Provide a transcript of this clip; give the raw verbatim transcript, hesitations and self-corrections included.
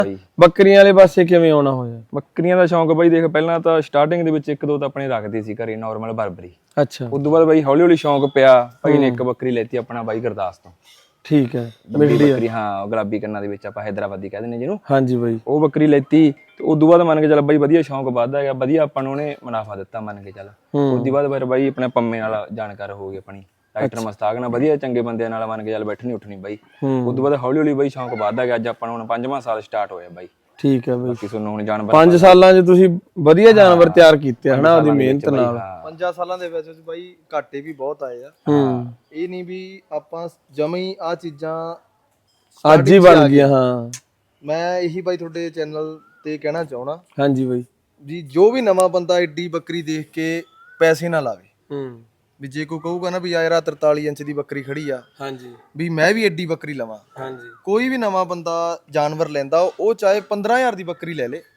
ਬਾਈ ਬੱਕਰੀਆਂ ਵਾਲੇ ਪਾਸੇ ਕਿਵੇਂ ਆਉਣਾ ਹੋਇਆ? ਬੱਕਰੀਆਂ ਦਾ ਸ਼ੌਂਕ ਬਾਈ ਦੇਖ ਪਹਿਲਾਂ ਤਾਂ ਸਟਾਰਟਿੰਗ ਦੇ ਵਿੱਚ ਇੱਕ ਦੋ ਤਾਂ ਆਪਣੇ ਰੱਖਦੇ ਸੀ ਘਰੇ ਨਾਰਮਲ ਬਰਬਰੀ। ਅੱਛਾ ਉਸ ਤੋਂ ਬਾਅਦ ਬਾਈ ਹੌਲੀ ਹੌਲੀ ਸ਼ੌਂਕ ਪਿਆ, ਭਾਈ ਨੇ ਇੱਕ ਬੱਕਰੀ ਲੈਤੀ ਆਪਣਾ ਬਾਈ ਗੁਰਦਾਸ ਤੋਂ। ਠੀਕ ਹੈ, ਵੱਡੀ ਬੱਕਰੀ, ਹਾਂ ਗੁਲਾਬੀ ਕੰਨਾਂ ਦੇ ਵਿੱਚ ਆਪਾਂ ਹੈਦਰਾਬਾਦੀ ਕਹਿ ਦਿੰਦੇ ਜਿਹਨੂੰ। ਹਾਂਜੀ ਬਾਈ। ਉਹ ਬੱਕਰੀ ਲੈਤੀ ਤੇ ਉਸ ਤੋਂ ਬਾਅਦ ਮੰਨ ਕੇ ਚੱਲ ਬਾਈ ਵਧੀਆ ਸ਼ੌਂਕ ਵੱਧਦਾ ਗਿਆ, ਵਧੀਆ ਆਪਾਂ ਨੂੰ ਉਹਨੇ ਮੁਨਾਫਾ ਦਿੱਤਾ ਮੰਨ ਕੇ ਚੱਲ। ਉਸ ਤੋਂ ਬਾਅਦ ਫਿਰ ਬਾਈ ਆਪਣੇ ਪੰਮੇ ਨਾਲ ਜਾਣਕਾਰ ਹੋ ਗਈ ਆਪਣੀ, ਡਾਕਟਰ ਮਸਤਾਕ ਨਾਲ, ਵਧੀਆ ਚੰਗੇ ਬੰਦਿਆਂ ਨਾਲ ਮੰਨ ਕੇ ਚੱਲ ਬੈਠਣੀ ਉੱਠਣੀ ਬਾਈ। ਉਸ ਤੋਂ ਬਾਅਦ ਹੌਲੀ ਹੌਲੀ ਬਾਈ ਸ਼ੌਂਕ ਵੱਧਦਾ ਗਿਆ, ਅੱਜ ਆਪਾਂ ਨੂੰ ਹੁਣ ਪੰਜਵਾਂ ਸਾਲ ਸਟਾਰਟ ਹੋਇਆ ਬਾਈ। ਠੀਕ ਹੈ ਬਾਈ। ਬਾਕੀ ਤੁਹਾਨੂੰ ਹੁਣ ਜਾਨਵਰ ਪੰਜ ਸਾਲਾਂ 'ਚ ਤੁਸੀਂ ਵਧੀਆ ਜਾਨਵਰ ਤਿਆਰ ਕੀਤੇ ਹਨਾ ਆਪਦੀ ਮਿਹਨਤ ਨਾਲ। ਪੰਜਾਂ ਸਾਲਾਂ ਦੇ ਵਿੱਚ ਬਾਈ ਘਾਟੇ ਵੀ ਬਹੁਤ ਆਏ ਆ। ਹੂੰ, ਇਹ ਨਹੀਂ ਵੀ ਆਪਾਂ ਜਮੀ ਆ ਚੀਜ਼ਾਂ ਅੱਜ ਹੀ ਬਣ ਗਈਆਂ। ਹਾਂ, ਮੈਂ ਇਹੀ ਬਾਈ ਤੁਹਾਡੇ ਚੈਨਲ ਤੇ ਕਹਿਣਾ ਚਾਹਣਾ ਹਾਂਜੀ ਬਾਈ ਜੀ, ਜੋ ਵੀ ਨਵਾਂ ਬੰਦਾ ਏਡੀ ਬੱਕਰੀ ਦੇਖ ਕੇ ਪੈਸੇ ਨਾ ਲਾਵੇ। ਹੂੰ, ਵੀ ਜੇ ਕੋਈ ਕਹੂਗਾ ਨਾ ਵੀ ਯਾਰ ਤਰਤਾਲੀ ਇੰਚ ਦੀ ਬੱਕਰੀ ਖੜੀ ਆ, ਹਾਂਜੀ ਵੀ ਮੈਂ ਵੀ ਏਡੀ ਬੱਕਰੀ ਲਵਾਂ, ਹਾਂਜੀ ਕੋਈ ਵੀ ਨਵਾਂ ਬੰਦਾ ਜਾਨਵਰ ਲੈਂਦਾ ਉਹ ਚਾਹੇ ਪੰਦਰਾਂ ਹਜ਼ਾਰ ਦੀ ਬੱਕਰੀ ਲੈ ਲੇ,